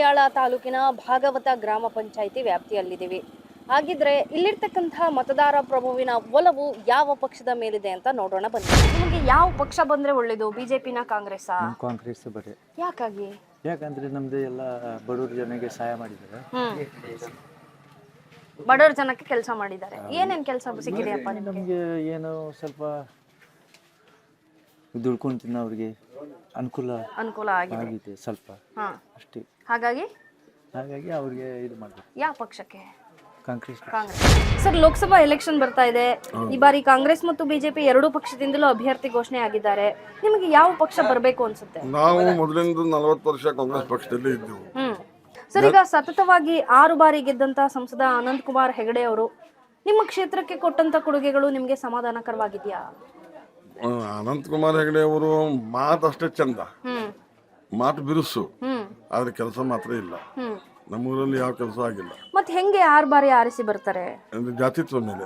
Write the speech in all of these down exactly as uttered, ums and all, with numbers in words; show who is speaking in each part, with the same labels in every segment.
Speaker 1: ಬಂಟ್ವಾಳ ತಾಲೂಕಿನ ಭಾಗವತ ಗ್ರಾಮ ಪಂಚಾಯಿತಿ ವ್ಯಾಪ್ತಿಯಲ್ಲಿದ್ದೀವಿ. ಹಾಗಿದ್ರೆ ಇಲ್ಲಿರ್ತಕ್ಕಂತಹ ಮತದಾರ ಪ್ರಭುವಿನ ಒಲವು ಯಾವ ಪಕ್ಷದ ಮೇಲಿದೆ ಅಂತ ನೋಡೋಣ ಬನ್ನಿ. ನಿಮಗೆ ಯಾವ ಪಕ್ಷ ಬಂದ್ರೆ ಒಳ್ಳೇದು, ಬಿಜೆಪಿನ ಕಾಂಗ್ರೆಸ್?
Speaker 2: ಕಾಂಗ್ರೆಸ್ ಬರೀ.
Speaker 1: ಯಾಕಾಗಿ?
Speaker 2: ಯಾಕಂದ್ರೆ ನಮ್ದು ಎಲ್ಲ ಬಡವ್ರ ಜನಕ್ಕೆ ಸಹಾಯ ಮಾಡಿದ್ದಾರೆ.
Speaker 1: ಬಡವ್ರ ಜನಕ್ಕೆ ಕೆಲಸ ಮಾಡಿದ್ದಾರೆ. ಏನೇನ್ ಕೆಲಸ ಸಿಕ್ಕಿದೆಯಪ್ಪ ನಿಮಗೆ?
Speaker 2: ನಮಗೆ ಏನೋ ಸ್ವಲ್ಪ ದುಡ್ಕೊಂಡು ತಿನ್ನೋರಿಗೆ ಅನುಕೂಲ
Speaker 1: ಅನುಕೂಲ ಆಗಿದೆ
Speaker 2: ಸ್ವಲ್ಪ ಅಷ್ಟೇ.
Speaker 1: ಹಾಗಾಗಿ
Speaker 2: ಹಾಗಾಗಿ ಅವ್ರಿಗೆ ಇದು ಮಾಡ್ಬೇಕು.
Speaker 1: ಯಾವ ಪಕ್ಷಕ್ಕೆ?
Speaker 2: ಕಾಂಗ್ರೆಸ್.
Speaker 1: ಕಾಂಗ್ರೆಸ್. ಸರ್, ಲೋಕಸಭಾ ಎಲೆಕ್ಷನ್ ಬರ್ತಾ ಇದೆ. ಈ ಬಾರಿ ಕಾಂಗ್ರೆಸ್ ಮತ್ತು ಬಿಜೆಪಿ ಎರಡೂ ಪಕ್ಷದಿಂದಲೂ ಅಭ್ಯರ್ಥಿ ಘೋಷಣೆ ಆಗಿದ್ದಾರೆ. ನಿಮಗೆ ಯಾವ ಪಕ್ಷ ಬರಬೇಕು ಅನ್ಸುತ್ತೆ?
Speaker 3: ನಾವು ಮೊದಲಿಂದ ನಲವತ್ತು ವರ್ಷ ಕಾಂಗ್ರೆಸ್ ಪಕ್ಷದಲ್ಲಿ ಇದ್ದೆವು.
Speaker 1: ಹ್ಮ್ ಸರ್, ಈಗ ಸತತವಾಗಿ ಆರು ಬಾರಿ ಗೆದ್ದಂತ ಸಂಸದ ಅನಂತ್ ಕುಮಾರ್ ಹೆಗಡೆ ಅವರು ನಿಮ್ಮ ಕ್ಷೇತ್ರಕ್ಕೆ ಕೊಟ್ಟಂತ ಕೊಡುಗೆಗಳು ನಿಮಗೆ ಸಮಾಧಾನಕರವಾಗಿದೆಯಾ?
Speaker 3: ಅನಂತ್ ಕುಮಾರ್ ಹೆಗಡೆ ಅವರು ಮಾತು ಅಷ್ಟೇ ಚಂದ, ಮಾತು ಬಿರುಸು, ಆದ್ರೆ ಕೆಲಸ ಮಾತ್ರ ಇಲ್ಲ. ನಮ್ಮೂರಲ್ಲಿ ಯಾವ ಕೆಲಸ ಆಗಿಲ್ಲ.
Speaker 1: ಮತ್ತೆ ಹೆಂಗೆ ಆರು ಬಾರಿ ಆರಿಸಿ ಬರ್ತಾರೆ?
Speaker 3: ಜಾತಿತ್ವ ಮೇಲೆ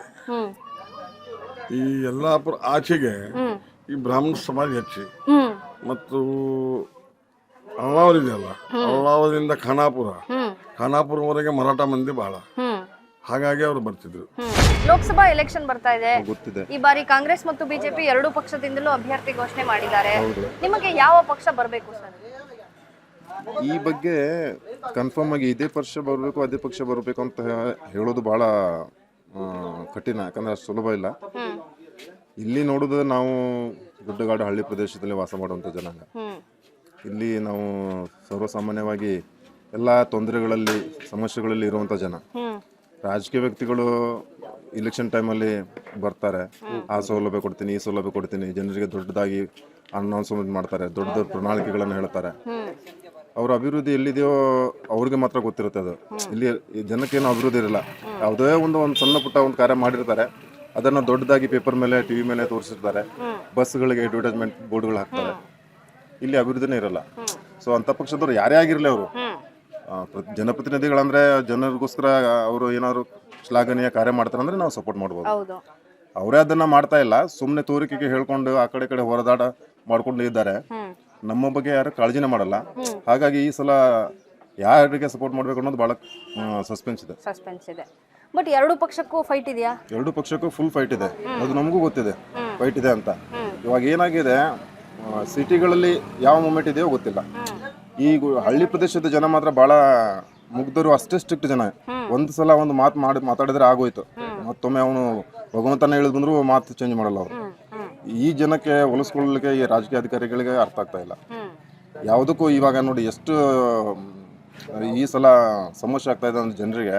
Speaker 3: ಈ ಯಲ್ಲಾಪುರ ಆಚೆಗೆ ಈ ಬ್ರಾಹ್ಮಣ ಸಮಾಜ ಹೆಚ್ಚಿ ಮತ್ತು ಅಳ್ಳಾವರ ಇದೆಯಲ್ಲ, ಅಳ್ಳಾವರದಿಂದ ಖಾನಾಪುರ, ಖಾನಾಪುರವರೆಗೆ ಮರಾಠ ಮಂದಿ ಬಹಳ, ಹಾಗಾಗಿ ಅವರು ಬರ್ತಿದ್ರು.
Speaker 1: ಲೋಕಸಭಾ ಎಲೆಕ್ಷನ್ ಬರ್ತಾ ಇದೆ. ಈ ಬಾರಿ ಕಾಂಗ್ರೆಸ್ ಮತ್ತು ಬಿಜೆಪಿ ಎರಡೂ ಪಕ್ಷದಿಂದಲೂ ಅಭ್ಯರ್ಥಿ ಘೋಷಣೆ ಮಾಡಿದ್ದಾರೆ. ನಿಮಗೆ ಯಾವ ಪಕ್ಷ ಬರಬೇಕು ಸರ್?
Speaker 4: ಈ ಬಗ್ಗೆ ಕನ್ಫರ್ಮ್ ಆಗಿ ಇದೇ ಪಕ್ಷ ಬರಬೇಕು ಅದೇ ಪಕ್ಷ ಬರಬೇಕು ಅಂತ ಹೇಳೋದು ಬಹಳ ಕಠಿಣ, ಯಾಕಂದ್ರೆ ಅಷ್ಟು ಸುಲಭ ಇಲ್ಲ. ಇಲ್ಲಿ ನೋಡೋದು ನಾವು ಗುಡ್ಡಗಾಡು ಹಳ್ಳಿ ಪ್ರದೇಶದಲ್ಲಿ ವಾಸ ಮಾಡುವಂಥ ಜನಾಂಗ. ಇಲ್ಲಿ ನಾವು ಸರ್ವಸಾಮಾನ್ಯವಾಗಿ ಎಲ್ಲ ತೊಂದರೆಗಳಲ್ಲಿ ಸಮಸ್ಯೆಗಳಲ್ಲಿ ಇರುವಂಥ ಜನ. ರಾಜಕೀಯ ವ್ಯಕ್ತಿಗಳು ಇಲೆಕ್ಷನ್ ಟೈಮಲ್ಲಿ ಬರ್ತಾರೆ, ಆ ಸೌಲಭ್ಯ ಕೊಡ್ತೀನಿ, ಈ ಸೌಲಭ್ಯ ಕೊಡ್ತೀನಿ, ಜನರಿಗೆ ದೊಡ್ಡದಾಗಿ ಅನೌನ್ಸ್ಮೆಂಟ್ ಮಾಡ್ತಾರೆ, ದೊಡ್ಡ ದೊಡ್ಡ ಪ್ರಣಾಳಿಕೆಗಳನ್ನು ಹೇಳ್ತಾರೆ. ಅವ್ರ ಅಭಿವೃದ್ಧಿ ಎಲ್ಲಿದೆಯೋ ಅವ್ರಿಗೆ ಮಾತ್ರ ಗೊತ್ತಿರುತ್ತೆ. ಅದು ಇಲ್ಲಿ ಜನಕ್ಕೇನು ಅಭಿವೃದ್ಧಿ ಇರಲ್ಲ. ಯಾವುದೇ ಒಂದು ಒಂದು ಸಣ್ಣ ಪುಟ್ಟ ಒಂದು ಕಾರ್ಯ ಮಾಡಿರ್ತಾರೆ, ಅದನ್ನು ದೊಡ್ಡದಾಗಿ ಪೇಪರ್ ಮೇಲೆ ಟಿವಿ ಮೇಲೆ ತೋರಿಸಿರ್ತಾರೆ, ಬಸ್ಗಳಿಗೆ ಅಡ್ವರ್ಟೈಸ್ಮೆಂಟ್ ಬೋರ್ಡ್ಗಳು ಹಾಕ್ತಾರೆ. ಇಲ್ಲಿ ಅಭಿವೃದ್ಧಿನೇ ಇರಲ್ಲ. ಸೊ ಅಂಥ ಪಕ್ಷದವ್ರು ಯಾರೇ ಆಗಿರಲಿ, ಅವರು ಜನಪ್ರತಿನಿಧಿಗಳಂದ್ರೆ ಜನರಿಗೋಸ್ಕರ ಅವರು ಏನಾದ್ರು ಶ್ಲಾಘನೀಯ ಕಾರ್ಯ ಮಾಡ್ತಾರೆ ಅಂದ್ರೆ ನಾವು ಸಪೋರ್ಟ್ ಮಾಡ್ಬೋದು. ಅವರೇ ಅದನ್ನ ಮಾಡ್ತಾ ಇಲ್ಲ, ಸುಮ್ಮನೆ ತೋರಿಕೆಗೆ ಹೇಳ್ಕೊಂಡು ಆ ಕಡೆ ಕಡೆ ಹೊರದಾಟ ಮಾಡ್ಕೊಂಡು ಇದ್ದಾರೆ. ನಮ್ಮ ಬಗ್ಗೆ ಯಾರು ಕಾಳಜಿನೇ ಮಾಡಲ್ಲ. ಹಾಗಾಗಿ ಈ ಸಲ ಯಾರಿಗೆ ಸಪೋರ್ಟ್ ಮಾಡ್ಬೇಕು ಅನ್ನೋದು ಬಹಳ ಸಸ್ಪೆನ್ಸ್ ಇದೆ.
Speaker 1: ಸಸ್ಪೆನ್ಸ್ ಇದೆ. ಬಟ್ ಎರಡು ಪಕ್ಷಕ್ಕೂ ಫೈಟ್ ಇದೆಯಾ?
Speaker 4: ಎರಡು ಪಕ್ಷಕ್ಕೂ ಫುಲ್ ಫೈಟ್ ಇದೆ, ಅದು ನಮಗೂ ಗೊತ್ತಿದೆ ಫೈಟ್ ಇದೆ ಅಂತ. ಇವಾಗ ಏನಾಗಿದೆ, ಸಿಟಿಗಳಲ್ಲಿ ಯಾವ ಮೂಮೆಂಟ್ ಇದೆಯೋ ಗೊತ್ತಿಲ್ಲ. ಈ ಹಳ್ಳಿ ಪ್ರದೇಶದ ಜನ ಮಾತ್ರ ಬಹಳ ಮುಗ್ಧರು, ಅಷ್ಟೇ ಸ್ಟ್ರಿಕ್ಟ್ ಜನ. ಒಂದು ಸಲ ಒಂದು ಮಾತು ಮಾಡಿ ಮಾತಾಡಿದ್ರೆ ಆಗೋಯ್ತು, ಮತ್ತೊಮ್ಮೆ ಅವನು ಭಗವಂತನ ಹೇಳಿದ್ ಬಂದ್ರು ಮಾತು ಚೇಂಜ್ ಮಾಡಲ್ಲ ಅವರು. ಈ ಜನಕ್ಕೆ ಹೊಲಿಸ್ಕೊಳ್ಳಲಿಕ್ಕೆ ಈ ರಾಜಕೀಯ ಅಧಿಕಾರಿಗಳಿಗೆ ಅರ್ಥ ಆಗ್ತಾ ಇಲ್ಲ ಯಾವುದಕ್ಕೂ. ಇವಾಗ ನೋಡಿ ಎಷ್ಟು ಈ ಸಲ ಸಮಸ್ಯೆ ಆಗ್ತಾ ಇದೆ ಅಂದ್ರೆ ಜನರಿಗೆ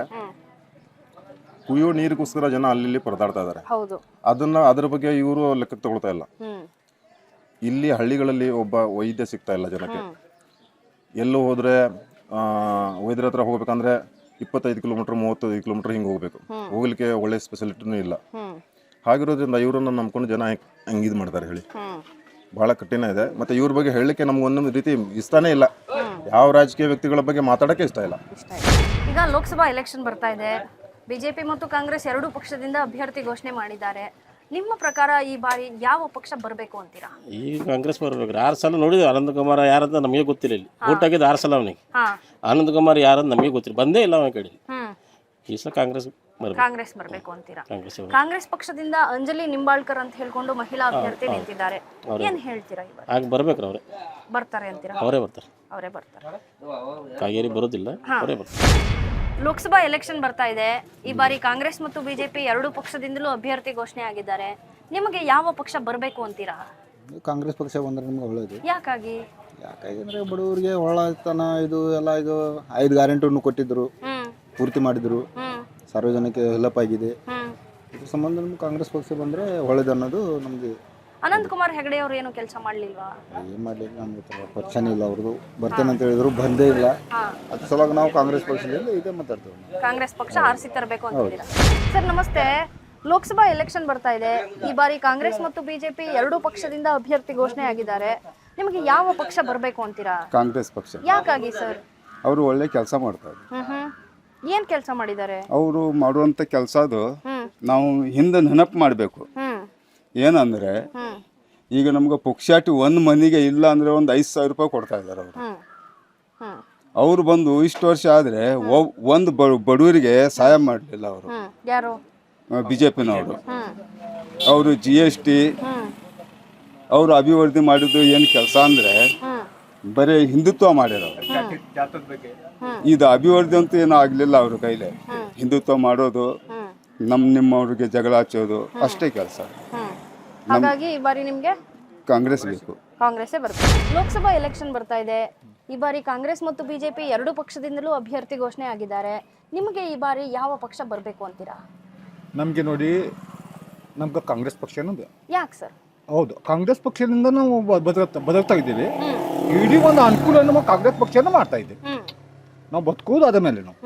Speaker 4: ಕುಯ್ಯೋ ನೀರಿಗೋಸ್ಕರ ಜನ ಅಲ್ಲಿ ಪರದಾಡ್ತಾ ಇದ್ದಾರೆ. ಅದನ್ನ ಅದ್ರ ಬಗ್ಗೆ ಇವರು ಲೆಕ್ಕಕ್ಕೆ ತಗೊಳ್ತಾ ಇಲ್ಲ. ಇಲ್ಲಿ ಹಳ್ಳಿಗಳಲ್ಲಿ ಒಬ್ಬ ವೈದ್ಯ ಸಿಗ್ತಾ ಇಲ್ಲ ಜನಕ್ಕೆ. ಎಲ್ಲೋ ಹೋದ್ರೆ ವೈದ್ಯರ ಹತ್ರ ಹೋಗ್ಬೇಕಂದ್ರೆ ಇಪ್ಪತ್ತೈದು ಕಿಲೋಮೀಟರ್ ಮೂವತ್ತೈದು ಕಿಲೋಮೀಟರ್ ಹಿಂಗೆ ಹೋಗ್ಬೇಕು, ಹೋಗ್ಲಿಕ್ಕೆ ಒಳ್ಳೆ ಸ್ಪೆಷಾಲಿಟಿನೂ ಇಲ್ಲ. ಹಾಗಿರೋದ್ರಿಂದ ಇವರನ್ನ ನಂಬ್ಕೊಂಡು ಜನ ಹೆಂಗೆ ಇದು ಮಾಡ್ತಾರೆ ಹೇಳಿ, ಬಹಳ ಕಠಿಣ ಇದೆ. ಮತ್ತೆ ಇವ್ರ ಬಗ್ಗೆ ಹೇಳಲಿಕ್ಕೆ ನಮ್ಗೆ ಒಂದೊಂದು ರೀತಿ ಇಷ್ಟನೇ ಇಲ್ಲ. ಯಾವ ರಾಜಕೀಯ ವ್ಯಕ್ತಿಗಳ ಬಗ್ಗೆ ಮಾತಾಡೋಕ್ಕೆ ಇಷ್ಟ ಇಲ್ಲ.
Speaker 1: ಈಗ ಲೋಕಸಭಾ ಎಲೆಕ್ಷನ್ ಬರ್ತಾ ಇದೆ. ಬಿಜೆಪಿ ಮತ್ತು ಕಾಂಗ್ರೆಸ್ ಎರಡೂ ಪಕ್ಷದಿಂದ ಅಭ್ಯರ್ಥಿ ಘೋಷಣೆ ಮಾಡಿದ್ದಾರೆ. ನಿಮ್ಮ ಪ್ರಕಾರ ಈ ಬಾರಿ ಯಾವ ಪಕ್ಷ ಬರಬೇಕು ಅಂತೀರಾ?
Speaker 5: ಈ ಕಾಂಗ್ರೆಸ್ ಬರಬೇಕು. ಆರು ಸಲ ನೋಡಿದ್ವಿ ಆನಂದ್ ಕುಮಾರ್ ಯಾರಂತ ನಮಗೆ ಗೊತ್ತಿಲ್ಲ. ಇಲ್ಲಿ ಊಟ ಆಗಿದ್ದು ಆರು ಸಲ ಅವನಿಗೆ. ಆನಂದ್ ಕುಮಾರ್ ಯಾರಂತ ನಮಗೆ ಗೊತ್ತಿಲ್ಲ, ಬಂದೇ ಇಲ್ಲ ಅವನ ಕಡೆ. ಈ ಸಲ ಕಾಂಗ್ರೆಸ್
Speaker 1: ಕಾಂಗ್ರೆಸ್ ಬರಬೇಕು ಅಂತೀರಾ? ಕಾಂಗ್ರೆಸ್ ಪಕ್ಷದಿಂದ ಅಂಜಲಿ ನಿಂಬಾಳ್ಕರ್ ಅಂತ ಹೇಳ್ಕೊಂಡು ಮಹಿಳಾ ಅಭ್ಯರ್ಥಿ ನಿಂತಿದ್ದಾರೆ. ಏನ್ ಹೇಳ್ತೀರಾ?
Speaker 5: ಆಗ ಬರ್ಬೇಕ್ರ ಅವರೇ
Speaker 1: ಬರ್ತಾರೆ ಅಂತೀರಾ?
Speaker 5: ಅವರೇ ಬರ್ತಾರೆ.
Speaker 1: ಅವರೇ ಬರ್ತಾರೆ.
Speaker 5: ಕಾಗೇರಿ ಬರೋದಿಲ್ಲ, ಅವರೇ ಬರ್ತಾರೆ.
Speaker 1: ಲೋಕಸಭಾ ಎಲೆಕ್ಷನ್ ಬರ್ತಾ ಇದೆ. ಈ ಬಾರಿ ಕಾಂಗ್ರೆಸ್ ಮತ್ತು ಬಿಜೆಪಿ ಎರಡೂ ಪಕ್ಷದಿಂದಲೂ ಅಭ್ಯರ್ಥಿ ಘೋಷಣೆ ಆಗಿದ್ದಾರೆ. ನಿಮಗೆ ಯಾವ ಪಕ್ಷ ಬರಬೇಕು ಅಂತೀರಾ?
Speaker 6: ಕಾಂಗ್ರೆಸ್ ಪಕ್ಷ ಬಂದ್ರೆ ನಿಮ್ಗೆ ಒಳ್ಳೇದು.
Speaker 1: ಯಾಕಾಗಿ?
Speaker 6: ಯಾಕಾಗಿ ಅಂದ್ರೆ ಬಡವರಿಗೆ ಒಳ್ಳತನ ಇದು ಎಲ್ಲ ಇದು ಐದು ಗ್ಯಾರಂಟಿಯನ್ನು ಕೊಟ್ಟಿದ್ರು, ಪೂರ್ತಿ ಮಾಡಿದ್ರು, ಸಾರ್ವಜನಿಕ ಹೆಲ್ಪ್ ಆಗಿದೆ. ಇದ್ರ ಸಂಬಂಧ ನಮ್ಗೆ ಕಾಂಗ್ರೆಸ್ ಪಕ್ಷ ಬಂದ್ರೆ ಒಳ್ಳೇದು ಅನ್ನೋದು ನಮ್ಗೆ.
Speaker 1: ಅನಂತ್ ಕುಮಾರ್ ಹೆಗಡೆ ಅವರು ಏನು ಕೆಲಸ ಮಾಡ್ಲಿಲ್ವಾ?
Speaker 6: ಏನ್ ಮಾಡ್ಲಿಲ್ಲ, ನಮ್ಗೆ ಪರಿಚಯ ಇಲ್ಲ ಅವ್ರದ್ದು. ಬರ್ತೇನೆ ಅಂತ ಹೇಳಿದ್ರು, ಬಂದೇ ಇಲ್ಲ. ಅದ್ರ ಸಲುವಾಗಿ ನಾವು ಕಾಂಗ್ರೆಸ್ ಪಕ್ಷದಲ್ಲಿ ಇದೇ ಮಾತಾಡ್ತೇವೆ.
Speaker 1: ಕಾಂಗ್ರೆಸ್ ಪಕ್ಷ ಆರಿಸಿ ತರಬೇಕು ಅಂತಿದ್ದೀರಾ? ಸರ್ ನಮಸ್ತೆ. ಲೋಕಸಭಾ ಎಲೆಕ್ಷನ್ ಬರ್ತಾ ಇದೆ. ಈ ಬಾರಿ ಕಾಂಗ್ರೆಸ್ ಮತ್ತು ಬಿಜೆಪಿ ಎರಡೂ ಪಕ್ಷದಿಂದ ಅಭ್ಯರ್ಥಿ ಘೋಷಣೆ ಆಗಿದ್ದಾರೆ. ನಿಮಗೆ ಯಾವ ಪಕ್ಷ ಬರಬೇಕು ಅಂತೀರಾ?
Speaker 6: ಕಾಂಗ್ರೆಸ್ ಪಕ್ಷ.
Speaker 1: ಯಾಕಾಗಿ ಸರ್?
Speaker 6: ಅವರು ಒಳ್ಳೆ ಕೆಲಸ ಮಾಡ್ತಾರೆ.
Speaker 1: ಏನ್ ಕೆಲಸ ಮಾಡಿದ್ದಾರೆ?
Speaker 6: ಅವರು ಮಾಡುವಂತ ಕೆಲಸ ಅದು ನಾವು ಹಿಂದೆ ನೆನಪು ಮಾಡಬೇಕು. ಏನಂದ್ರೆ ಈಗ ನಮ್ಗೆ ಪುಕ್ಷಾಟಿ ಒಂದು ಮನೆಗೆ ಇಲ್ಲ ಅಂದ್ರೆ ಒಂದು ಐದು ಸಾವಿರ ರೂಪಾಯಿ ಕೊಡ್ತಾ ಇದ್ದಾರೆ ಅವರು.
Speaker 7: ಅವರು ಬಂದು ಇಷ್ಟು ವರ್ಷ ಆದರೆ ಒಂದು ಬಡವರಿಗೆ ಸಹಾಯ ಮಾಡಲಿಲ್ಲ ಅವರು
Speaker 1: ಹ್ಮ್ ಯಾರು
Speaker 7: ಬಿ ಜೆ ಪಿನವರು.
Speaker 1: ಹ್ಮ್
Speaker 7: ಅವರು ಜಿ ಎಸ್ ಟಿ
Speaker 1: ಹ್ಮ್
Speaker 7: ಅವರು ಅಭಿವೃದ್ಧಿ ಮಾಡಿದ್ದು ಏನು ಕೆಲಸ ಅಂದರೆ
Speaker 1: ಹ್ಮ್
Speaker 7: ಬರೀ ಹಿಂದುತ್ವ ಮಾಡಿರೋರು. ಇದು ಅಭಿವೃದ್ಧಿ ಅಂತೂ ಏನೂ ಆಗಲಿಲ್ಲ ಅವ್ರ ಕೈಲಿ. ಹಿಂದುತ್ವ ಮಾಡೋದು,
Speaker 1: ಹ್ಮ್
Speaker 7: ನಮ್ಮ ನಿಮ್ಮವ್ರಿಗೆ ಜಗಳ ಹಚ್ಚೋದು ಅಷ್ಟೇ ಕೆಲಸ.
Speaker 1: ಹ್ಮ್ ಹಾಗಾಗಿ ಈ ಬಾರಿ ನಿಮ್ಗೆ
Speaker 7: ಕಾಂಗ್ರೆಸ್ ಬೇಕು.
Speaker 1: ಕಾಂಗ್ರೆಸ್ಸೇ ಬರ್ತದೆ. ಲೋಕಸಭಾ ಎಲೆಕ್ಷನ್ ಬರ್ತಾ ಇದೆ. ಈ ಬಾರಿ ಕಾಂಗ್ರೆಸ್ ಮತ್ತು ಬಿಜೆಪಿ ಎರಡು ಪಕ್ಷದಿಂದಲೂ ಅಭ್ಯರ್ಥಿ ಘೋಷಣೆ ಆಗಿದ್ದಾರೆ. ನಿಮಗೆ ಈ ಬಾರಿ ಯಾವ ಪಕ್ಷ ಬರಬೇಕು ಅಂತೀರಾ?
Speaker 8: ನಮಗೆ ನೋಡಿ, ನಮ್ಗೆ ಕಾಂಗ್ರೆಸ್ ಪಕ್ಷನೂ
Speaker 1: ಯಾಕೆ ಸರ್?
Speaker 8: ಹೌದು, ಕಾಂಗ್ರೆಸ್ ಪಕ್ಷದಿಂದ ನಾವು ಬದುಕ್ತಾ ಬದುಕ್ತಾ ಇದ್ದೀವಿ. ಇಡೀ ಒಂದು ಅನುಕೂಲ ನಮ್ಮ ಕಾಂಗ್ರೆಸ್ ಪಕ್ಷನ ಮಾಡ್ತಾ ಇದ್ದೀವಿ. ನಾವು ಬದುಕೋದು ಅದ ಮೇಲೆ ನಾವು.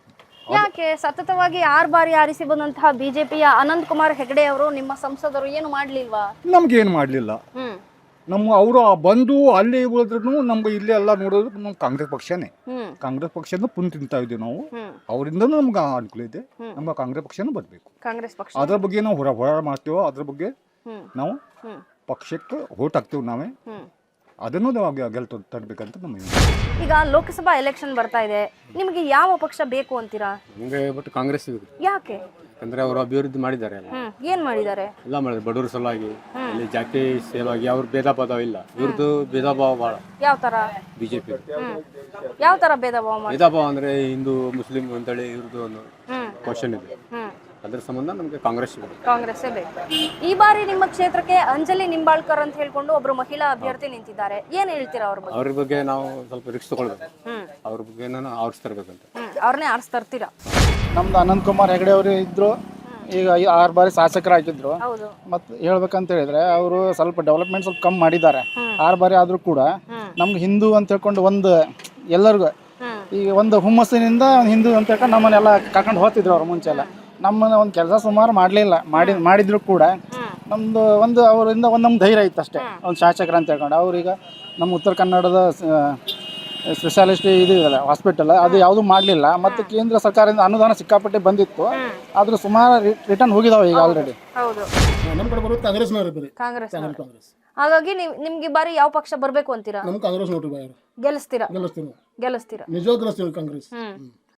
Speaker 1: ಯಾಕೆ ಸತತವಾಗಿ ಆರು ಬಾರಿ ಆರಿಸಿ ಬಂದಂತಹ ಬಿಜೆಪಿಯ ಅನಂತ್ ಕುಮಾರ್ ಹೆಗಡೆ ಅವರು ನಿಮ್ಮ ಸಂಸದರು ಏನು ಮಾಡ್ಲಿಲ್ವಾ?
Speaker 8: ನಮ್ಗೇನು ಮಾಡಲಿಲ್ಲ.
Speaker 1: ಹ್ಮ್
Speaker 8: ನಮ್ಮ ಅವರು ಬಂದು ಅಲ್ಲಿ ಉಳಿದ್ರು ನಮ್ಗೆ ಇಲ್ಲಿ ಎಲ್ಲ ನೋಡೋದು ನಮ್ಮ ಕಾಂಗ್ರೆಸ್ ಪಕ್ಷನೇ.
Speaker 1: ಹ್ಮ್
Speaker 8: ಕಾಂಗ್ರೆಸ್ ಪಕ್ಷನ ಪುನ್ ತಿಂತಾ ಇದ್ದೀವಿ ನಾವು.
Speaker 1: ಹ್ಮ್
Speaker 8: ಅವರಿಂದನೂ ನಮ್ಗೆ ಅನುಕೂಲ ಇದೆ. ನಮ್ಗೆ ಕಾಂಗ್ರೆಸ್ ಪಕ್ಷನೂ ಬರಬೇಕು.
Speaker 1: ಕಾಂಗ್ರೆಸ್ ಪಕ್ಷ
Speaker 8: ಅದ್ರ ಬಗ್ಗೆ ನಾವು ಹೊರ ಹೋರಾಟ ಮಾಡ್ತೀವೋ ಅದ್ರ ಬಗ್ಗೆ
Speaker 1: ಹ್ಮ್
Speaker 8: ನಾವು
Speaker 1: ಹ್ಮ್
Speaker 8: ಪಕ್ಷಕ್ಕೆ ಓಟ್ ಹಾಕ್ತೀವಿ ನಾವೇ.
Speaker 1: ಹ್ಮ್
Speaker 8: ಅದನ್ನು ನಾವು ಗೆಲ್ ತರಬೇಕಂತ ನಮ್ಮ
Speaker 1: ಈಗ ಲೋಕಸಭಾ ಎಲೆಕ್ಷನ್ ಬರ್ತಾ ಇದೆ. ನಿಮಗೆ ಯಾವ ಪಕ್ಷ ಬೇಕು ಅಂತೀರಾ?
Speaker 9: ನಮಗೆ ಬಟ್ ಕಾಂಗ್ರೆಸ್
Speaker 1: ಯಾಕೆ?
Speaker 9: ಯಾಕಂದ್ರೆ ಅವರು ಅಭಿವೃದ್ಧಿ ಮಾಡಿದ್ದಾರೆ ಎಲ್ಲ
Speaker 1: ಹ್ಮ್ ಏನ್ ಮಾಡಿದ್ದಾರೆ?
Speaker 9: ಎಲ್ಲ ಮಾಡಿದ್ರು ಬಡವರ ಸಲುವಾಗಿ, ಇಲ್ಲಿ ಜಾತಿ ಸಲುವಾಗಿ ಅವ್ರ ಭೇದ ಭಾವ ಇಲ್ಲ. ಇವ್ರದ್ದು ಭೇದ ಭಾವ ಭಾಳ
Speaker 1: ಯಾವ ತರ?
Speaker 9: ಬಿಜೆಪಿ
Speaker 1: ಹ್ಮ್ ಯಾವ ತರ ಭೇದ ಭಾವ ಮಾಡಿ?
Speaker 9: ಭೇದ ಭಾವ ಅಂದ್ರೆ ಹಿಂದೂ ಮುಸ್ಲಿಂ ಅಂತೇಳಿ ಇವ್ರದ್ದು ಒಂದು
Speaker 1: ಹ್ಮ್
Speaker 9: ಕ್ವಶನ್ ಇದೆ.
Speaker 1: ಹ್ಮ್
Speaker 9: ಅದ್ರ ಸಂಬಂಧ ನಮಗೆ ಕಾಂಗ್ರೆಸ್ ಇದೆ.
Speaker 1: ಕಾಂಗ್ರೆಸ್ಸೇ ಬೇಕು. ಈ ಬಾರಿ ನಿಮ್ಮ ಕ್ಷೇತ್ರಕ್ಕೆ ಅಂಜಲಿ ನಿಂಬಾಳ್ಕರ್ ಅಂತ ಹೇಳ್ಕೊಂಡು ಒಬ್ರು ಮಹಿಳಾ ಅಭ್ಯರ್ಥಿ ನಿಂತಿದ್ದಾರೆ. ಏನ್ ಹೇಳ್ತೀರಾ ಅವ್ರ ಬಗ್ಗೆ?
Speaker 9: ಅವ್ರ ಬಗ್ಗೆ ನಾವು ಸ್ವಲ್ಪ ರಿಕ್ಸ್ ತಗೊಳ್ಬೇಕು.
Speaker 1: ಹ್ಮ್
Speaker 9: ಅವ್ರ ಬಗ್ಗೆ ನಾನು ಆರಿಸ್ತಿರ್ಬೇಕಂತ.
Speaker 1: ಹ್ಮ್ ಅವ್ರನ್ನೇ ಆರಿಸ್ ತರ್ತೀರಾ?
Speaker 6: ನಮ್ದು ಅನಂತ್ ಕುಮಾರ್ ಹೆಗಡೆ ಅವರು ಇದ್ರು. ಈಗ ಈ ಆರು ಬಾರಿ ಶಾಸಕರಾಗಿದ್ರು.
Speaker 1: ಹೌದು.
Speaker 6: ಮತ್ತು ಹೇಳ್ಬೇಕಂತ ಹೇಳಿದ್ರೆ ಅವರು ಸ್ವಲ್ಪ ಡೆವಲಪ್ಮೆಂಟ್ ಸ್ವಲ್ಪ ಕಮ್ಮಿ ಮಾಡಿದ್ದಾರೆ. ಆರು ಬಾರಿ ಆದರೂ ಕೂಡ ನಮ್ಗೆ ಹಿಂದೂ ಅಂತ ಹೇಳ್ಕೊಂಡು ಒಂದು ಎಲ್ಲರಿಗೂ ಈಗ ಒಂದು ಹುಮ್ಮಸ್ಸಿನಿಂದ ಹಿಂದೂ ಅಂತ ಹೇಳ್ಕೊಂಡು ನಮ್ಮನ್ನೆಲ್ಲ ಕರ್ಕೊಂಡು ಹೋಗ್ತಿದ್ರು ಅವ್ರು ಮುಂಚೆ ಎಲ್ಲ. ನಮ್ಮನ್ನ ಒಂದು ಕೆಲಸ ಸುಮಾರು ಮಾಡಲಿಲ್ಲ, ಮಾಡಿ ಮಾಡಿದ್ರು ಕೂಡ ನಮ್ಮದು ಒಂದು ಅವರಿಂದ ಒಂದು ನಮ್ಮ ಧೈರ್ಯ ಇತ್ತು ಅಷ್ಟೇ, ಒಂದು ಶಾಸಕರು ಅಂತ ಹೇಳ್ಕೊಂಡು. ಅವ್ರೀಗ ನಮ್ಮ ಉತ್ತರ ಕನ್ನಡದ ಸ್ಪೆಷಾಲಿಸ್ಟ್ ಇದು ಇದೆಯಲ್ಲ ಹಾಸ್ಪಿಟಲ್, ಅದು ಯಾವುದೂ ಮಾಡಲಿಲ್ಲ. ಮತ್ತು ಕೇಂದ್ರ ಸರ್ಕಾರದಿಂದ ಅನುದಾನ ಸಿಕ್ಕಾಪಟ್ಟೆ ಬಂದಿತ್ತು, ಆದರೂ ಸುಮಾರು ರಿಟರ್ನ್ ಹೋಗಿದಾವೆ ಈಗ ಆಲ್ರೆಡಿ.
Speaker 1: ಹೌದು,
Speaker 10: ನಮ್ಮ ಕಡೆ ಬರೋದು ಕಾಂಗ್ರೆಸ್ನವ್ರು ಬರೀ
Speaker 1: ಕಾಂಗ್ರೆಸ್.
Speaker 10: ಕಾಂಗ್ರೆಸ್.
Speaker 1: ಹಾಗಾಗಿ ನೀವು ನಿಮ್ಗೆ ಈ ಬಾರಿ ಯಾವ ಪಕ್ಷ ಬರ್ಬೇಕು ಅಂತೀರಾ?
Speaker 10: ನಮ್ಮ ಕಾಂಗ್ರೆಸ್ ನೋಡ್ರಿ ಬಾಯ್
Speaker 1: ಗೆಲ್ಲಿಸ್ತೀರಾ?
Speaker 10: ಗೆಲ್ಲಿಸ್ತೀವಿ,
Speaker 1: ಗೆಲ್ಲಿಸ್ತೀರಾ?
Speaker 10: ನಿಜವಾಗ ಗೆಲ್ಲಿಸ್ತೀವಿ ಕಾಂಗ್ರೆಸ್.
Speaker 1: ಹ್ಮ್